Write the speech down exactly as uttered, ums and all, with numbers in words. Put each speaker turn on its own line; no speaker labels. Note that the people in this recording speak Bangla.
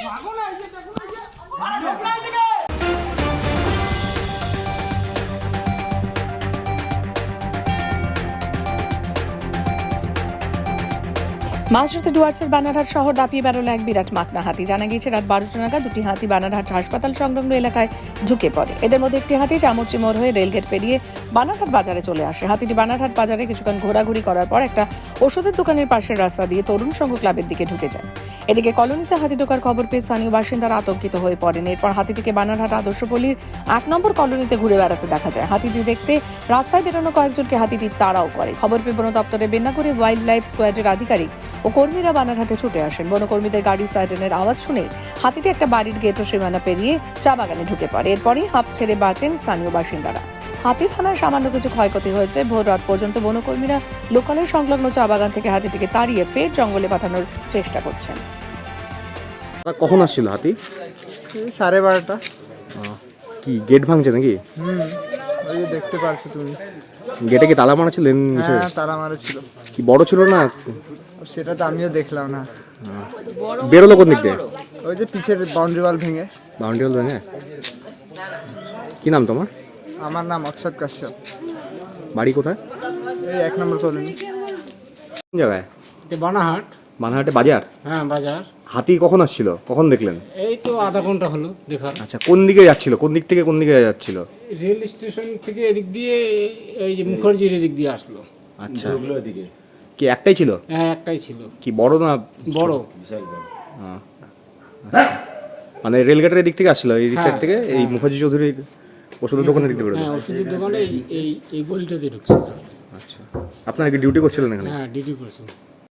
মাঝরাতে ডুয়ার্সের বানারহাট শহর দাপিয়ে বেরোলো এক বিরাট মাকনা হাতি। জানা গিয়েছে রাত বারোটা নাগাদ দুটি হাতি বানারহাট হাসপাতাল সংলগ্ন এলাকায় ঢুকে পড়ে। এদের মধ্যে একটি হাতি চামচি মোড় হয়ে রেলগেট পেরিয়ে বানারহাট বাজারে চলে আসে। হাতিটি বানারহাট বাজারে কিছুক্ষণ ঘোরাঘুরি করার পর একটা ওষুধের দোকানের পাশের রাস্তা দিয়ে তরুণ সংঘ ক্লাবের দিকে ঢুকে যায়। এদিকে কলোনিতে হাতি ঢোকার খবর পেয়ে স্থানীয় বাসিন্দারা আতঙ্কিত হয়ে পড়েন। এরপর হাতিটিকে বানারহাট আদর্শপল্লীর এক নম্বর কলোনিতে ঘুরে বেড়াতে দেখা যায়। হাতিটি দেখতে রাস্তায় বেরোনো কয়েকজনকে হাতিটি তাড়াও করে। খবর পেয়ে বন দপ্তরের বেন্নাগুড়ি ওয়াইল্ড লাইফ স্কোয়াডের আধিকারিক ও কর্মীরা বানারহাটে ছুটে আসেন। বনকর্মীদের গাড়ি সাইরেনের আওয়াজ শুনে হাতিটি একটা বাড়ির গেট ও সীমানা পেরিয়ে চা বাগানে ঢুকে পড়ে। এরপরই হাঁপ ছেড়ে বাঁচেন স্থানীয় বাসিন্দারা। হাতির থানায় সামান্য কিছু ক্ষয়ক্ষতি হয়েছে। ভোর রাত পর্যন্ত বনকর্মীরা লোকালয় সংলগ্ন চা বাগান থেকে হাতিটিকে তাড়িয়ে ফের জঙ্গলে পাঠানোর চেষ্টা করছেন।
কখন আসছিল হাতি?
সাড়ে বারোটা।
কি গেট ভাঙছে নাকি?
হুম, ওই যে দেখতে পাচ্ছ তুমি।
গেটে কি তালা মারা ছিল?
হ্যাঁ, তালা মারা ছিল।
কি বড় ছিল না?
সেটা তো আমিও দেখলাম না।
বেরোলো কোন দিক দিয়ে?
ওই যে পিছের বাউন্ডারি ওয়াল ভেঙে।
বাউন্ডারি ওয়াল ভেঙে? কি নাম তোমার?
আমার নাম অক্ষত কাশ্যপ।
বাড়ি কোথায়?
এই এক নম্বর কলোনি।
কোন জায়গায়?
বানারহাট।
বানারহাটে বাজার?
হ্যাঁ, বাজার।
হাতি কখন আসছিল? কখন দেখলেন?
এই তো আধা ঘন্টা হলো দেখা।
আচ্ছা, কোন দিকে যাচ্ছিল? কোন দিক থেকে কোন দিকে যাচ্ছিল?
রেল স্টেশন থেকে এদিক দিয়ে এই যে মুখার্জির এদিক দিয়ে আসলো।
আচ্ছা, কি একটাই ছিল?
হ্যাঁ, একটাই ছিল।
কি বড় না
বড়?
হ্যাঁ, মানে রেলগেটের দিক থেকে আসছিল, এই সাইড থেকে এই মুখার্জি চৌধুরীর ওষুধের দোকানের দিক থেকে বেরোলো?
হ্যাঁ, ওষুধের দোকানে এই এই গলিটাতে ঢুকছিল।
আচ্ছা, আপনারা কি ডিউটি করছিলেন এখানে?
হ্যাঁ, ডিউটি করছিল।